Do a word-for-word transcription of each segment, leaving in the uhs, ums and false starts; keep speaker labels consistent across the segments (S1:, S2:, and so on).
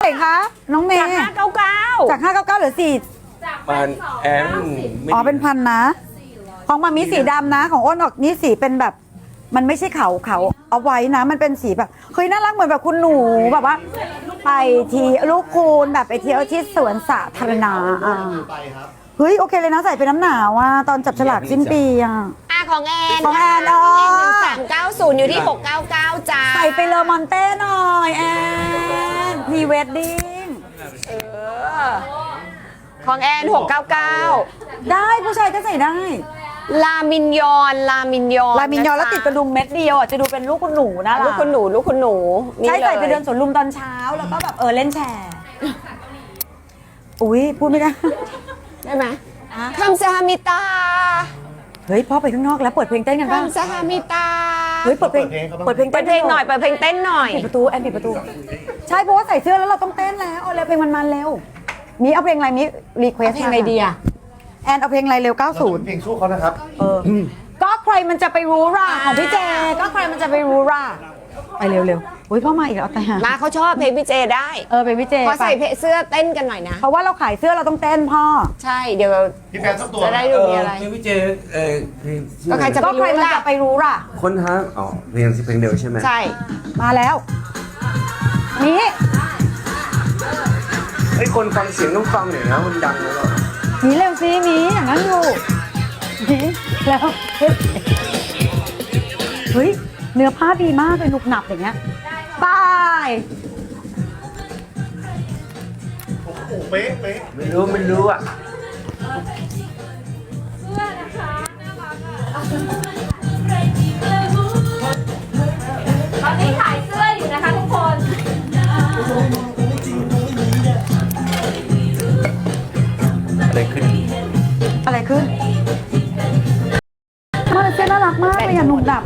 S1: ร่คะน้องเมย์
S2: จากห้าเก้าเก้า
S1: จากห้าเก้าเก้าเหลือสี่
S3: มันแอน
S1: อ๋อเป็นพันนะของมามีสีดำนะของอ้นออกนี่สีเป็นแบบมันไม่ใช่เขาเขาเอาไว้นะมันเป็นสีแบบเฮ้ยน่ารักเหมือนแบบคุณหนูแบบว่าไปทีลูกคูณแบบไปเที่ยวที่สวนสาธารณะอ่ะเฮ้ยโอเคเลยนะใส่เป็นน้ำหนาวอ่ะตอนจับฉลากสิ้นปีอ่ะ
S2: อ่ะของแอน
S1: ของแอนอ๋อ
S2: หนึ่งสามเก้าศูนย์อยู่ที่หกเก้าเก้าจ้า
S1: ใส่ไปเลอมอนเต้หน่อยแอนพรีเวดดิ้ง
S2: เออของแอนหกเก้าเก้า
S1: ได้ผู้ชายก็ใส่ได้
S2: ลามินยอนลามินยอน
S1: ลายมินยอนแล้วติดกระดุมเม็ดเดียวอ่ะจะดูเป็นลูกคุณหนูนะ
S2: ลูกคุณหนูลูกคุณหนู
S1: ใช้ใส่ไป
S2: ลย
S1: เดินสวนลุมตอนเช้าแล้วก็แบบเออเล่นแชร์อุ้ยพูดไม่ได้
S2: ได้ไหมคำซาฮามิตา
S1: เฮ้ยพ่อไปข้างนอกแล้วเปิดเพลงเต้นกันป่ะ
S2: คำซาฮามิตา
S1: เฮ้ยเปิดเพลงเปิดเพลง
S2: เปิดเพลงหน่อยเปิดเพลงเต้นหน่อย
S1: ปิดประตูแอนปิดประตูใช่เพราะว่าใส่เสื้อแล้วเราต้องเต้นแล้วเอาเร็วเพลงมันๆเร็วมีเอาเพลงอะไรมีรีเควส
S2: เพลงอะไรดีอะ
S1: แอนเอาเพลงอะไรเร็วเก้าสิบ
S4: เพลงสู้เขานะครับ
S1: เออก็ใครมันจะไปรู้ล่ะของพี่เจก็ใครมันจะไปรู้ล่ะไปเร็วๆอุ้ยพ่อมาอีกแล้วแต่
S2: มาเขาชอบเพลงพี่เจได้
S1: เออไปพี่เจ
S2: พอใส่เสื้อเต้นกันหน่อยนะ
S1: เพราะว่าเราขายเสื้อเราต้องเต้นพ่อ
S2: ใช่เดี๋ยว
S4: พี่แฟนสักตัว
S2: จะได้ดูมีอะไร
S3: เพลงพี่เจเออเพลง
S2: ก็ใครจะ
S1: ก็ใครมันจะไปรู้ล่ะ
S3: ค้นหาอ๋อเพลงเพลงเดียวใช่ไหม
S2: ใช่
S1: มาแล้วนี่
S3: เฮ้ยคนฟังเสียงต้องฟังหน่อยนะมันดังแล้ว
S1: มีเร็วสิมีอย่างนั้นอยู่มีแล้วเฮ้ยเฮ้ยเนื้อผ้าดีมากเลยหนุบหนับอย่างเงี้ยบาย
S4: โอ้โหเป๊ะเป๊ะ
S3: ไม่รู้ไม่รู้อ่ะ
S5: ตอนนี้ขายเสื้ออยู่นะคะทุกคน
S3: อะไรขึ้น
S1: อะไรขึ้นมาเสื้อน่ารักมากเลยอ่ะหนุบหนับ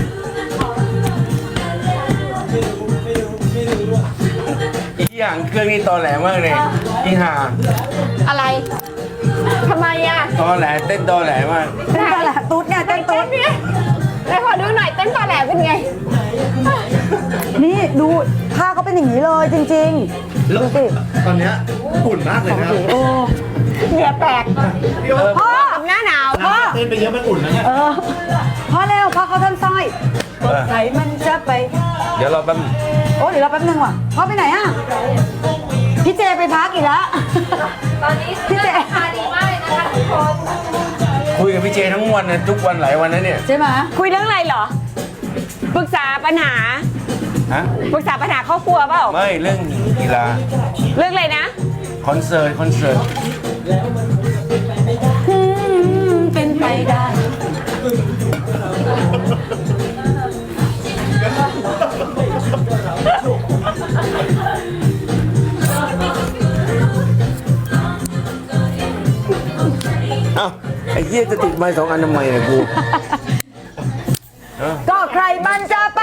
S3: อีกอย่างเครื่องนี้ตอแหลมากเลยอีห่า
S2: อะไรทำไมอ่ะ
S3: ตอแหลเต้นตอแหลมาก
S1: เต้นตอนแหละตุ๊ดไงเต้นตุ๊ด
S2: ไหนขอดูหน่อยเต้นปลาแหลเป็นไง
S1: นี่ดูผ้าเขาเป็นอย่างนี้เลยจริงๆดูสิ
S4: ตอนเนี้ยอุ่นมากเลยนะ
S1: โอ้
S2: เหงื่อแตก
S1: พ่อ
S2: หน้าหนาว
S1: พ่อ
S4: เต้นไปเยอะมันอุ่นนะเนี่ย
S1: เออพ่อเร็วพ่อเขาท่านสร้อย
S3: เออ
S1: ใส่มันจะไป
S3: เดี๋ยวเราแป๊บ
S1: โอ้เดี๋ยวเราแป๊บนึงว่ะพ่อไปไหนอ่ะพี่เจไปพักอีกแล้ว
S5: ตอนนี้เสื้อราคาดีมากเลยนะคะทุกคน
S3: คุยกับพี่เจทั้งวันนะทุกวันหลายวันนะเนี่ย
S1: ใช่ไหม
S2: คุยเรื่องอะไรเหรอปรึกษาปัญหา
S3: ฮะ
S2: ปรึกษาปัญหาครอบครัวเปล่า
S3: ไม่เรื่องกีฬา
S2: เรื่องอะไรนะ
S3: คอนเสิร์ตคอนเสิร์ต
S1: อืมเป็นไปได้
S3: เอ้าไอ้เหี้ยจะติดไม้สองอันทำไมเนี่ยกูเออ
S1: ก็ใครมันจะไป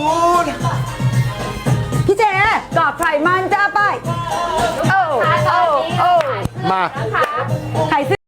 S1: พี่เจก็ใครมันจะไป
S2: โอ้โอ้โอ้
S3: มา
S1: ใครซื้อ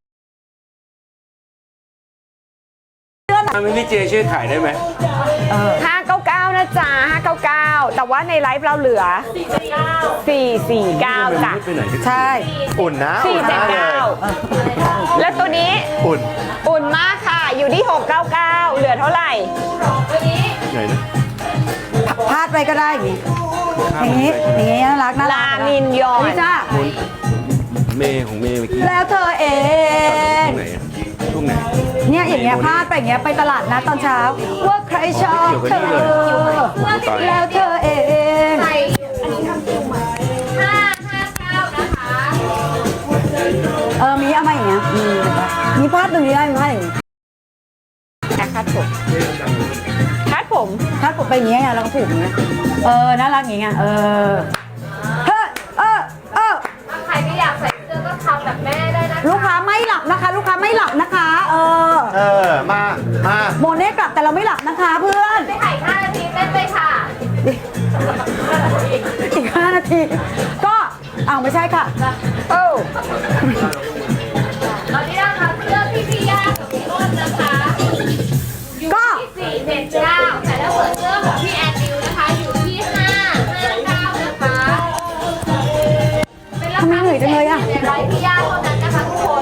S3: ทำให้พี่เจช่วยขายได้ไหม
S2: ห้าเก้าเก้านะจ๊ะห้าเก้าเก้าแต่ว่าในไลฟ์เราเหลือสี่สี่เก้าจ้ะ
S3: ไม่ไปไหนกัน
S1: ใช่
S4: อุ่นนะ
S2: สี่
S4: อุ่น
S2: เจ็ด
S4: มากเลย
S2: เก้าแล้วตัวนี้
S4: อุ่น
S2: อุ่นมากค่ะ อยู่ที่หกเก้าเก้าเหลือเท่าไหร่
S3: ไหนนะ
S1: พลาดไปก็ได้อย่างนี้อย่างนี้อย่างนี้น่ารักน่ารั
S2: ลาก มินยอน
S1: นี่จ้า
S3: เมย์ของเมย์เมื่อกี้
S1: แล้วเธอเอง
S3: ช่วงไหนอะช่วงไหน
S1: เนี่ยอย่างเงี้ยพลาดไปอย่างเงี้ยไปตลาดนัดตอนเช้า ว่าใครชอบเธอแล้วเธอเอง
S5: ใส่อันนี้ทำคิวใหม่ห้าห้าเก้านะคะ
S1: เออมีเอามาอย่างเงี้ยมีแบบมีพลาดตรงนี้ได้ไหมพลาดอย่างงี้
S2: คาดผมคาดผม
S1: พลาดผมไปอย่างเงี้ยแล้วก็ผูกอย่างเงี้ยเออน่ารักอย่างเงี้ยเออเฮ้ยเออเออ
S5: ถ้าใครไม่อยากใส่เสื้อก็ทำแบบแม่ได้นะคะ
S1: ลูกค้าไม่หลับนะคะ ลูกค้าไม่หลับนะคะ เออ
S4: เออ มา มา
S1: โมเน่กลับแต่เราไม่หลับนะคะเพื่อน
S5: ไม่ถ่ายห้านาทีเต้นไปค่ะ
S1: อีกห้านาที ก็อ้าวไม่ใช่ค่ะ
S2: โอ้
S5: ตอนนี้นะคะเสื้อพี่พี่ย่ากับพี่อ้นนะคะอยู่
S1: ก็
S5: ที่สี่เจ็ดเก้าแต่ถ้าเปิดเสื้อของพี่แอนดิวนะคะอยู่ที่ห้าห้าเก้านะคะรา
S1: ทำไม
S5: คา
S1: เหนื่อยจังเลยอะ
S5: ในไลฟ์พี่ย่าเท่านั้นนะคะทุกคน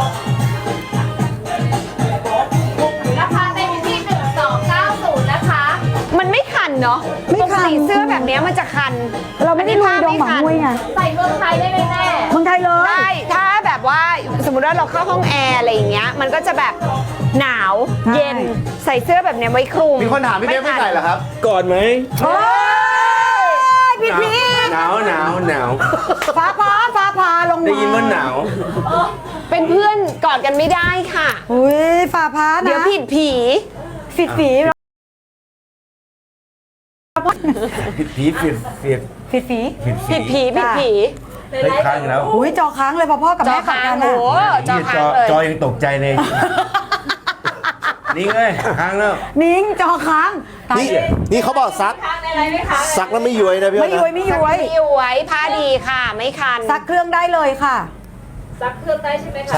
S5: ราคาเต็มอยู่ที่หนึ่งสองเก้าศูนย์นะคะ
S2: มันไม่คันเนาะ
S1: ไม่คัน
S2: ปกติเสื้อแบบเนี้ยมันจะคัน
S1: เราไม่ได้ลุยดงหมังมวยไง
S5: ใส่เมืองไทยได้ไหมแม่
S1: เมืองไทยเลย
S2: ได้ถ้าแบบว่าสมมติว่าเราเข้าห้องแอร์อะไรอย่างเงี้ยมันก็จะแบบหนาวเย็นใส่เสื้อแบบเนี้ยไว้คลุม
S4: มีคนถามพี่เบ๊ไม่ใส่เหรอครับ
S3: ก่อนไหม
S1: โอ้ยพี่พี่
S3: หนาวหนาวหนาว
S1: ฟ้าผ่าฟ้าผ่าลงมา
S3: ได้ยินว่าหนาว
S2: เป็นเพื่อนกอดกันไม่ได้ค่ะ
S1: อุ้ยฟ้าผ่านะ
S2: เดี๋ยวผิดผี
S1: ฝีฝี
S3: ผิดผีผิดผิด
S1: ฝีฝี
S3: ผิด
S2: ผิดผีผิดผี
S3: เฮ้ยค้างอีกแล้ว
S1: อุ้ยจอค้างเลยพอพ่อกับ
S2: จอ
S1: แม่กัด
S2: ค้าง
S1: กัน
S2: โอ้
S1: อะ
S2: จอ
S3: นี่
S2: ค้างเลย
S3: จอยังตกใจเลย นี่เลยค้างแล้ว
S1: นิ้งจอค้างตาย
S4: นี่นี่เขาบอกซัก
S5: ทางในไลฟ์ไหมคะ
S4: ซักแล้วไม่ย้วยนะพี่
S1: ไม่
S4: อ้น
S1: ย้วย
S4: นะ
S1: ไม่ย้วย
S2: ไม่ย้วยผ้าดีค่ะ ไม่คัน
S1: ซักเครื่องได้เลยค่ะ
S5: ซักเครื่องได้ใช่ไหมคะ